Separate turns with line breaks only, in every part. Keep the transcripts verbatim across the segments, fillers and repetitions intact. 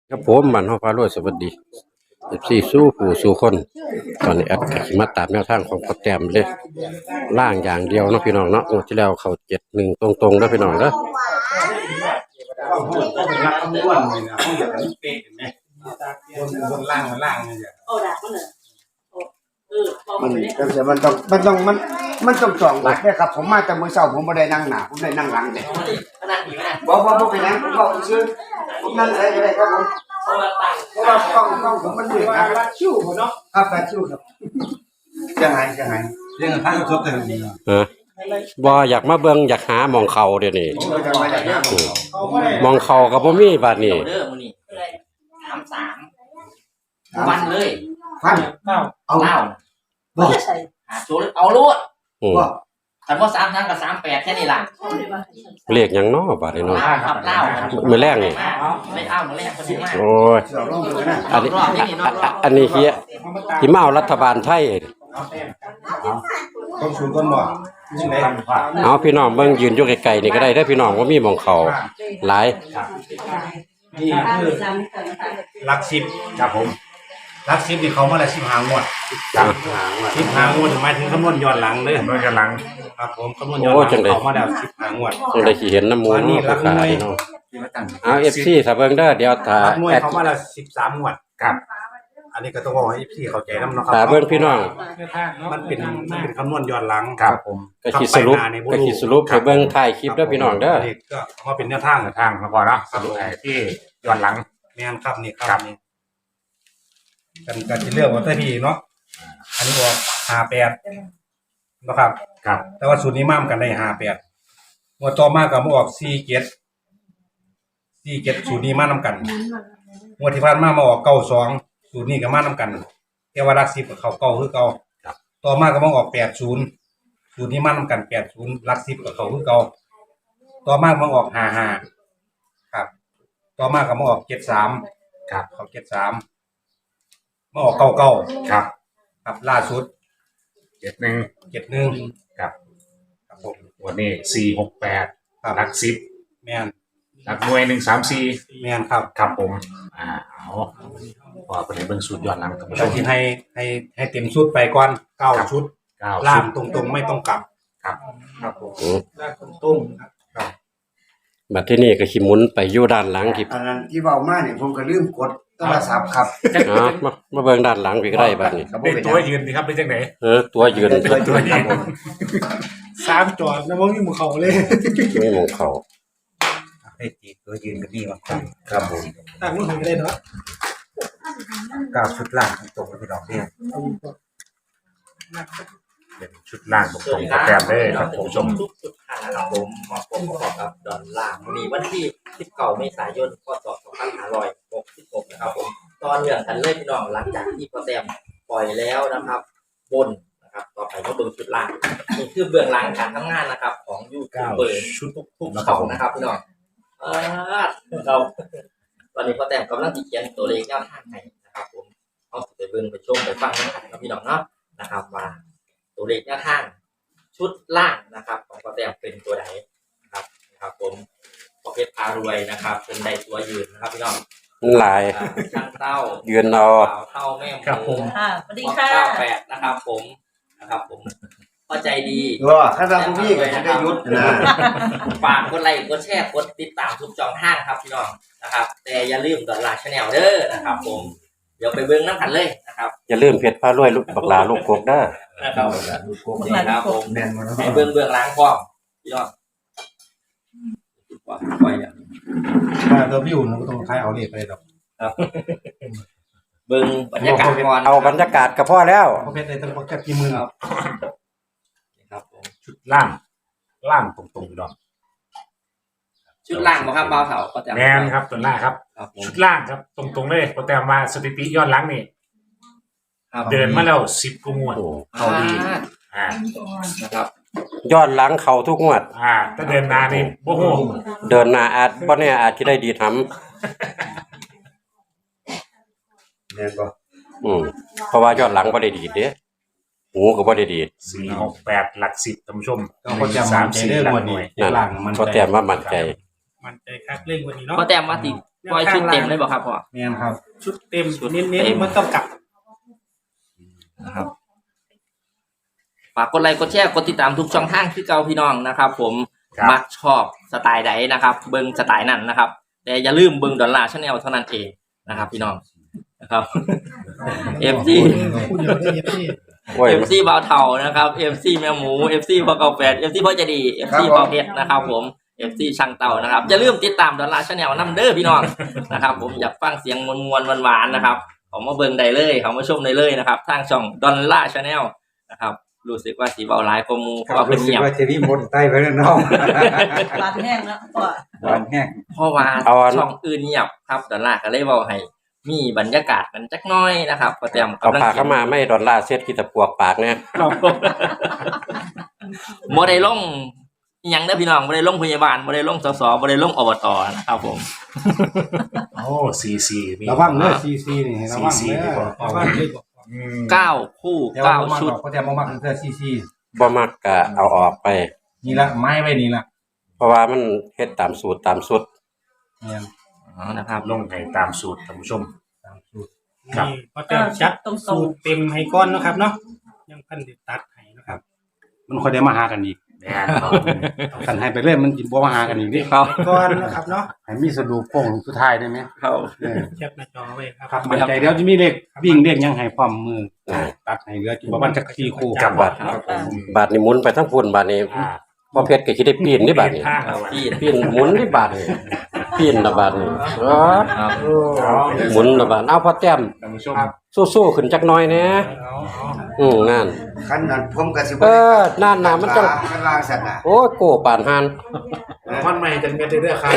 ครับผมมันฮอพารวยสวัสดีเอฟซีสู้ผู้สู้คนตอนนี้แอดก็สิมาตามแนวทางของพ่อแต้มเลยล่างอย่างเดียวเนาะพี่น้องเนาะงวดที่แล้วเขาเจ็ดหนึ่งตรงๆเด้อพี่น้องเด้อ
รักคำนวณเลยนะเขาอยากให้เป๊ะเห็นไหมบนบนล่างมันล่างนี่จ้ะ
โอ้ดักมันเหรอเออพอ
มัน
ไปได้
ก็จะมันต้องมันต้องมันมันต้องสองบัดเนี่ยครับผมมาแต่มื้อเช้าผมบ่ได้นั่งหน้าผมได้นั่งหลังเด้
ขนาดนี้นะ
บ่บ่บ่เป็นหยังผมบอกซื่อผมนั่งอะไรก็ได้ครับผม
เพราะว่าตั้ง
เพราะว่ากล้องกล้องผมมันมืดครับ
รักชิวเนาะ
ครับแบบชิวครับจะหายจะหาย
เรื่องท่านครบแต่ดี
ฮะบ่อยากมาเบิ่งอยากหาหมองเขาเดี๋ยวนี้
ผมก็จะมาจากหน้าผม
เขาไม่ได้
หมองเขาก็บ่มีบัดนี้
เด้อมื้อนี้สามสามวันเลย
พัน
เก้า
เอา
เล่า
บ่
หาตัวเอาโลด
อืม
บ่
คันว่าสามทางกับสามแปดแค่นี้ล่ะ
เรียกหยังเนาะบัดนี้เนาะ
เล่าครับเล่า
มื้อแรกนี่
ไม่เล่ามื้อแรกคนนี้มาก
โอ้ย
เดี๋ยวลองดูนะ
อันนี้อันอันนี้เฮียที่มาเอารัฐบาลไทย
ต้นสูงต้นบ่นี่ไหน
เอาพี่น้องเบิ่งยืนอยู่ไกลๆนี่ก็ได้เด้อพี่น้องว่ามีหมองเขาหลาย
นี่คือรักสิบครับผมรักสิบนี่เขามาแล้วสิบหางวด
อ่ะ
สิบหางวดหมายถึงคำนวณย้อนหลังเลยย้อนหลังครับผมคำนวณย้อนหลังเขามาแล้วสิบหางวด
จังได้สิเห็นน้ำมูลเนาะผู้ขายเนาะเอา เอฟ ซี ถ้าเบิ่งเด้อเดี๋ยวถ้า
รักหน่วย
แอด
เขามาแล้วสิบสามงวดครับ อันนี้ก็ต้องบอกให้พี่เข้าใจน้ำเนาะครั
ถ้าเบิ่งพี่น้อง
มันเป็นมันเป็นคำนวณย้อนหลังครับผม
ก็สิสรุปก็สิสรุปให้เบิ่งท้ายคลิปเด้อพี่น้องเด้อ
นี่ก็เอามาเป็นแนวทางทางมาก่อนเนาะสรุปที่ย้อนหลังแม่นครับนี่ครับนี่กันกันที่เรื่องว่าแต่พี่เนาะอันนี้บอกห้าแปดนะครับครับ แต่ว่าสูตรนี้มามกันได้ห้าแปดงวดต่อมาก็มาออกสี่เจ็ดสี่เจ็ดสูตรนี้มานำกันงวดที่ผ่านมามาออกเก้าสองสูตรนี้ก็มานำกันแต่ว่ารักสิบกับเขาเก้าคือเก่าต่อมาก็มาออกแปดศูนย์สูตรนี้มานำกันแปดศูนย์รักสิบกับเขาคือเก่าต่อมามาออกห้าห้าครับ ต่อมาก็มาออกเจ็ดสามครับเขาเจ็ดสามมาออกเก้าเก้าครับครับล่าสุด
เจ็ดหนึ่ง
เจ็ดหนึ่ง
ครับ
ครับผม
วันนี้สี่หกแปด
ครับ
หลักสิบ
แม่น
หลักหน่วยหนึ่งสามสี่
แม่นครับ
ครับผม อ่าเอาพอประเด็นเบื้องสูตรย้อนหลังกับผู้ช
เรา
ม
ที่ให้ให้ให้เต็มชุดไปก่อนเก้าชุด
เก้า
ล่า
สิ
ง
บ
ตรงๆไม่ต้องกลับ
ครับ
ครับผม
อืม
ล่างตรงๆครับ
บัดที่นี่ก็สิหมุนไปอยู่ด้านหลังที่
อันนั้นที่เว้ามาเนี่ยผมก็ลืมกดโทรศัพท์ครับ
อ๋อมามาเบิ่งด้านหลังพี่ก็ได้บัดนี้
ครับบ่
เป็น
เป็นห
ตัว
ยัง
ยืนดีครับเป็นจังไหน
เออตัวยืน
ตัวตัวครับผม
สามจอดแล้วมันมีหมู่เขาเลย
มีหมองเขา
ให้ตีตัวยืนกันดีกว่า
ครับผม
ต่างมันถึงได้เนาะ
เก้าชุดล่างตรงๆพี่น้องเนี่ย
เป็นชุดล่างตรงๆโปรแกรมเลยครับผมผู้ชม
ทุกสุดท้ายนะครับผมมาพบกับกับดอนล่างวันนี้วันที่สิบเก้าเมษายนพศสองพันห้าร้อยหกสิบหกนะครับผมตอนเรื่องกันเลยพี่น้องหลังจากที่พ่อแต้มปล่อยแล้วนะครับ บนนะครับต่อไปก็เบื้องชุดล่างนี่คือเบื้องหลังการทำงานนะครับ ของยูทูบเบอร์ชุดทุกๆเขานะครับพี่น้องเออเราตอนนี้พ่อแต้มกำลังติเขียนตัวเลขแนวทางให้นะครับ ผมเอาไปเบิ่งไปชมไปฟังกันนะพี่น้องเนาะนะครับว่าตัวเลขแนวทางชุดล่างนะครับ ของพ่อแต้มเป็นตัวไหนนะครับนะครับ ผมพอเพชรพารวยนะครับ เป็นใดตัวยืนนะครับพี่น้อง
มันหลาย
อ่าช่างเต้า
ยืนเอา
เต่าเท่าแม่ห
ครับผ
มู
ม
ค่ะสวัสดีค่ะ
เก้าแปดนะครับ ผมนะครับผมเข้าใจดี
ว่าถ้าเราบ่มีก็จะได้หยุดนะ
ฝากกดไลค์กดแชร์กดติดตามทุกช่องทางครับพี่น้องนะครับ แต่อย่าลืมดอลลาร์ชาแนลเด้อนะครับ ผมเดี๋ยวไปเบิ้งน้ำกันเลยนะครับ
อย่าลืมเพชรพารวยลูกบักหลาลูกกกเด้อ
นะครับนี่ครับผม
แม่นบ่เนาะ
ให้เบิ้งเบื้องหล้างพร้อมพี่น้องปล่อยปล่อยอย่าง
ถ้าตัวพี่อุ่นเราก็ต้องคล้ายเอาเลขไปเลยดอก
ครับเบิ้งบรรยากาศก่อน
เอาบรรยากาศก็พอแล้ว
เพราะเพชรในต้องแค่กี่หมื่น
ครับครับผม
ชุดล่าง ล่างตรงๆพี่น้อง
ชุดล่างบ่ครับเบาเถาก็จะ
แมนครับตัวล่างครับ
ครับผม
ชุดล่างครับ ตรงๆเลยโปรแกรมมาสถิติย้อนหลังนี่
ครับ
เดินมาแล้วสิบกว่างวด
โอ้
เขาดี อ่า
นะครับ
ย้อนหลังเขาทุกงวด
อ่าถ้าเดินหนานี่โอ้โห
เดินหน้าอาจบ่แน่อาจสิได้ดีทำ
แม่นบ่
อืมเพราะว่าย้อนหลังบ่ได้ดีเด้หูก็บ่ได้ดี
สี่หกแปดหลักสิบท่านผู้ชม
ก็คนจะ
สาม
ใจ
สี่
เด้อ
หลัก
วัน
หน่
นี้
วย
นั่น
หลังมัน
ก็แต้มว่ามั่นใจ
มันใจคักเร่งวันนี้เนาะ
ก็แต้มว่าติปล่อยชุดเต็มเลยบ่ครับพ่อ
แม่นครับ
ชุดเต็ม
ชุด
เน้น
เต็ม
ๆมันต้องกลับ
นะครับฝากกดไลค์กดแชร์กดติดตามทุกช่องทางที่เก่าพี่น้องนะครับ ผมมักชอบสไตล์ใดนะครับ เบิ่งสไตล์นั้นนะครับ แต่อย่าลืมเบิ่งดอลลาร์ชาแนลเท่านั้นเองนะครับ พี่น้องนะครับ เอฟ ซี
พูดเยอะที่ที่
โอ้ย
เอฟซีบ่าวเฒ่านะครับ เอฟ ซี แมวหมู เอฟ ซี พ่อเก่าแฟด เอฟ ซี พ่อใจะดี เอฟ ซี พ่อเพชรนะครับ ผม เอฟ ซี ช่างเต่านะครับอย่าลืมติดตามดอลลาร์ชาแนลนำเด้อพี่น้องนะครับ ผมอยากฟังเสียงมวลๆหวานๆนะครับเขามาเบิ่งได้เลยเขามาชมได้เลยนะครับทางช่องดอลลาร์ชาแนลนะครับรู้สึกว่าสีเบาหลายกว่าหมูเพราะว่าเป็นเงียบ
ว่าเทวีมนใต้ไปแล้วน้อง
บานแห้งแล้วก็
หวานแห้ง
เพราะว่าช่องอื่นเงียบครับดอลลาร์ก็เลยเว้าให้มีบรรยากาศกันจักหน้อยนะครับก็เตรียม
เอา
กำลัง
ปากเข้ามาไม่ดอลลาร์เซ็ตกี่ตะปวกปากเนี่ย
บ่ได้ลงอิหยังเด้อพี่น้องบ่ได้ลงพยาบาลบ่ได้ลงสสบ่ได้ลงอบตนะครับผม
โอ้ซีซีมี
ระวังเด้อซีซีนี่ระวัง
ซี
เด้
ซี
อ
เอาว่าเลยบอก
อืม
เก้าคู่
แต่ว่า
เก้า
บ่มัก
ชุด
ดอกก็แต่บ่มักเสื้อซีซี
บ่มักก็เอาออกไป
นี่ละไม้ไว้นี่ละ
เพราะว่ามันเฮ็ดตามสูตรตามสุด
แม่น
อ๋อนะครับ
ลงให้ตามสูตรท่านผู้ชม
ตามสูตร
ครับ
นี่พอเติมจัดสูตรเต็มให้ก้อนเนาะครับเนาะยังพันติดตัดให้นะครับ
มันค่อยได้มาหากันอีก
แม่นครับ
กันให้ไปเรื่อยมันสิบ่มาหากันอีกดิ
ครับ
ก้อนนะครับเนาะ
ให้มีสรุปโค้งสุดท้ายได้ไหม
ครับ
เออ
แคปหน้าจอไว้ครับ
ครับมันใจเดี๋ยวจะมีเลขวิ่งเลขยังให้พร้อมมือตัดให้เหลือจุประมาณจักสี่คู่
จับบัตร
ครับผม
บาทนี่หมุนไปทั้งพุ่นบาทนี้
อ่า
พอเพชรก็สิได้ปีนนี่บาทนี้
ข้าง
พี่
ปีนหมุนนี่บาทนี่ปีนละบาทนี่อ๋อ
ครับ
หมุนละบาทเอาพอแต้ม
ท่านผู้ชม
สู้ๆขึ้นจักหน่อยแหน่
เอาเอา
อืมนั่น
ขั้นนั้นผมก็สิบ่
เออนั่นน่ะมันต้อง
ขั้นล่างสัตว์น่ะ
โอ้ยโกปานหาน
มันใหม่จังเม็ดเด้อครับ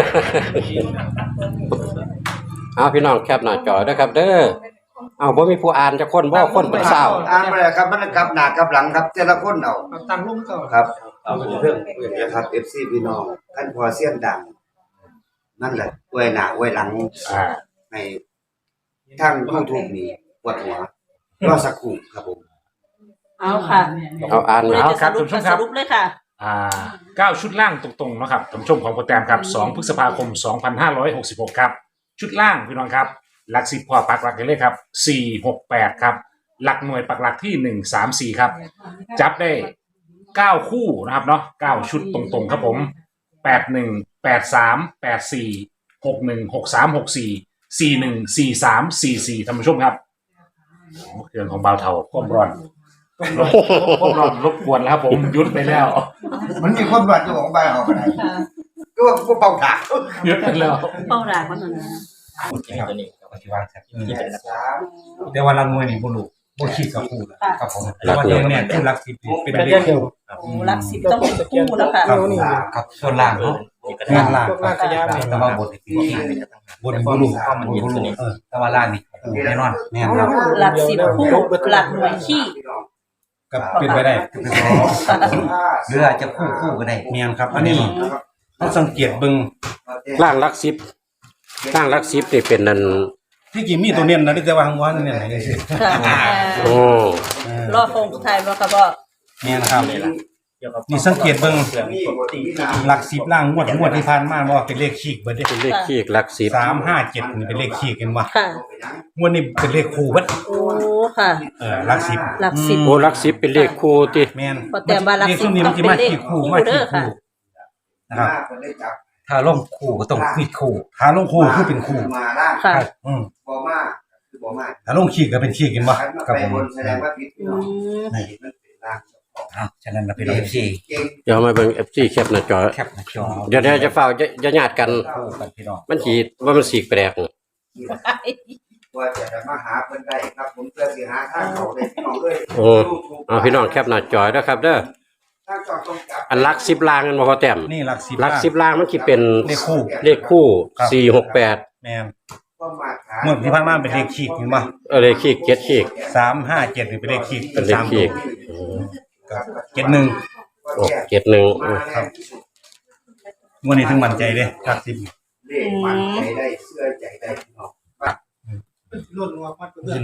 เอาพี่น้องแคปหน้าจอด้วยครับ เด้อเอาบ่มีผู้อ่านจักคนบ่คนเป็นสาว
อ่านบ่ได้ครับมันกลับหน้ากลับหลังครับแต่ละคนเอา
เอาตังค์ลงก่อน
ครับเอาเรื่องนี้ครับ เอฟ ซี พี่น้องขั้นพอเสียงดัง นั่นแหละอวยหน้าอวยหลัง
อ่า
ให้ทาง YouTube นี่ปวดหัวรอสักครู่ครับผม
เอาค่ะ
เอาอ่าน
คุณ
เอา
จะสรุปก็สรุปเลยค่ะ
อ่าเก้าชุดล่างตรงๆเนาะครับท่านผู้ชมของโปรแกรมครับสองพฤษภาคมสองพันห้าร้อยหกสิบหกครับชุดล่างพี่น้องครับหลักสิบพอปักหลักกันเลยครับสี่หกแปดครับหลักหน่วยปักหลักที่หนึ่งสามสี่ครับจับได้เก้าคู่นะครับเนาะเก้าชุดตรงๆครับผมแปดหนึ่งแปดสามแปดสี่หกหนึ่งหกสามหกสี่สี่หนึ่งสี่สามสี่สี่ท่านผู้ชมครับเครื่องของเบาเทาความร้อนความร้อนรบกวนแล้วครับผมหยุดไปแล้ว
มันมีคนวัดอยู่ของบ้านเขาก็ได้ก็ว่าบ่เป่าถาก
หยุดไปแล้ว
เป้าหลายมันนะ
ตัวนี้
ปฏิวัติครับ
ที่เป็น
แต่ว่าลังมวยนี่บ่รู้บ่คิดกับคู่ครับผมแต่ว่าตัวเนี่ยคือหลักสิบเป็นเลขคู่
โอ้รักสิบต้องเป็นคู่แล้วค่ะ
ครับครับส่วนล่างเนาะงานล่าง
พวกลากขยะนี่
แต่ว่าบทนี่บทบ่รู้ก็มันบ่รู้เออแต่ว่าล่างนี่แน่นอนแน่นครับ
หลักสิบคู่หลักหน่วยขี้
ก็เป็นไปได้
หรืออาจจะคู่คู่ก็ได้
แม่นครับ อันนี้ต้องสังเกตเบิ่ง
ล่างหลักสิบล่างหลักสิบนี่เป็นนั่น
ที่จริงมีตัวเน้นนะแต่ว่าทางวันเนี่ยไหนสิ
ค่ะ
โอ้
รอโค้งสุดท้ายมาค่ะพ่อ
แม่นครับนี่สังเกตเบิ่งหลักสิบล่างงวดงวดที่ผ่านมาว่าเป็นเลขขีกเบิดเด้
เป็นเลขขี้หลักสิบ
สามห้าเจ็ดนี่เป็นเลขขีกกันว่า
ค่ะ
งวดนี้เป็นเลขคู่เบิด
โอ้ค่ะ
เออหลักสิบ
หลักสิบ
โอ้หลักสิบเป็นเลขคู่ติ
แม่น
พอแต่ว่าหลักสิบ
เลขนี้มันสิมาขีกคู่มาขีกคู่นะครับ ถ้าลงคู่ก็ต้องขีกคู่ถ้าลงคู่คือเป็นคู่
มาล่าง
ค่ะ
อืม
บ่มาคือบ่มา
ถ้าลงขีกก็เป็นขีกกันบ่
คันมา
กับ
ไป
ผม
บนแสดงว่าผิดพี่
อื
น้อง
ม
นี่มันเป็นล่าง
อ้าวฉะนั้นเราเป็นเลขที่
เก่ง
เดี๋ยวมาเบิ่ง เอฟ ซี แคปหน้าจอ
แคปหน้าจอ
เดี๋ยวเดี๋ยวจะเฝ้าจะจะญาติกัน
คู่กันพี่น้อง
มันสิว่ามันสีกแปลก
ว่าจะได้มาหาเพิ่นได้ครับผมเพื่อสิหาทางเขาได้พี่น้องเอ้ย
โอ้เอาพี่น้องแคปหน้าจอด้วยครับ เด้อ
ทางจอดตรงจับ
อันหลักสิบล่างกันบ่พอแต้ม
นี่หลักสิบ
หลักสิบล่างมันสิเป็น
เลขคู่
เลขคู่สี่หกแปด
แม่น
ก็มาหา
เมื่อที่ผ่านมาเป็นเลขขีกเห็นบ่
เออเลขขี้เจ็ดขี้
สามห้าเจ็ดนี่เป็นเลขขีก
เป็นเลข
สาม
ขี้
ตัวเจ็ดหนึ่ง
โอ้เจ็ดหนึ่ง
มาครับ
งวดนี้ถึงมั่นใจเด้หลักสิบ
เลขมันใจได้เสื้อใจได้พี่น้อง
ล้วนวัวมัดเพื่อน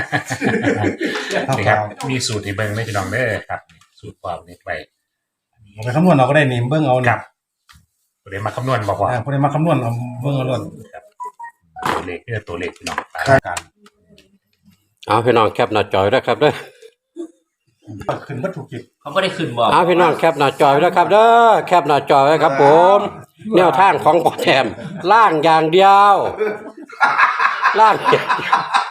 นี่ครับมีสูตรที่เบิ่งไม่พี่น้องเด้อครับ สูตรความนี้ไป
เอาไปคำนวณเราก็ได้นี่เบิ่งเอา
ค
นี่
รับเดี๋ยวมาคำนวณบอกว่า
อ่าผู้ใดมาคำนวณเอาเบิ่งเอาโลด
เลขเด้อตัวเลขพี่น้องตามกัน
เอาพี่น้องแคปหน้าจอยด้วยครับเด้อ
ขึ้นวัตถุกิจ
เขาไม่ได้ขึ้นบอก
เอาพี่น้องแคปหน้าจอยด้วยครับเด้อแคปหน้าจอยไว้ครับผมแนวทางของพ่อแถมล่างอย่างเดียวล่างอย่างเดียว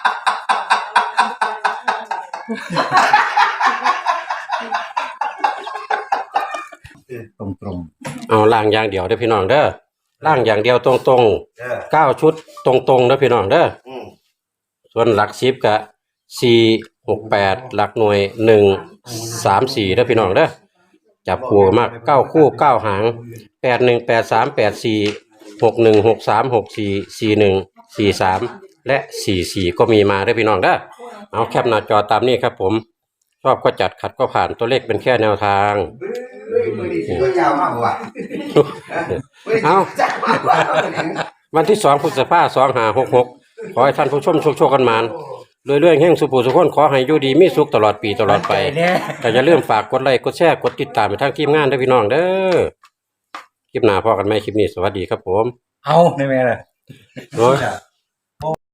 ตรงตรง
เอาล่างอย่างเดียวเด้อพี่น้องเด้อล่างอย่างเดียวตรง
เออ
ๆเก้าชุดตรงๆเด้อพี่น้องเด้อ
อืม
ส่วนหลักสิบก็สี่หกแปดหลักหน่วยหนึ่งสามสี่เด้อพี่น้องเด้อจับคู่มากเก้าคู่เก้าหางแปดหนึ่งแปดสามแปดสี่หกหนึ่งหกสามหกสี่สี่หนึ่งสี่สามและสี่สี่ก็มีมาเด้อพี่น้องเด้อเอาแคปหน้าจอตามนี้ครับผมชอบก็จัดขัดก็ผ่านตัวเลขเป็นแค่แนวทาง
มือดีตัวยาวมากกว่า
เอา
จ้ามากกว่า
วันที่สองพฤษภาสองห้าหกหกขอให้ท่านผู้ชมโชคโชคกันมานเรื่อยๆแห่งสุภูสุขคนขอให้อยู่ดีมีสุขตลอดปีตลอดไปแต่อย่าลืมฝากกดไลค์กดแชร์กดติดตามไปทางทีมงานด้วยพี่น้องเด้อคลิปหน้าพอกันไหมคลิปนี้สวัสดีครับผม
เอาได้ไหมล่ะ
โอ้ย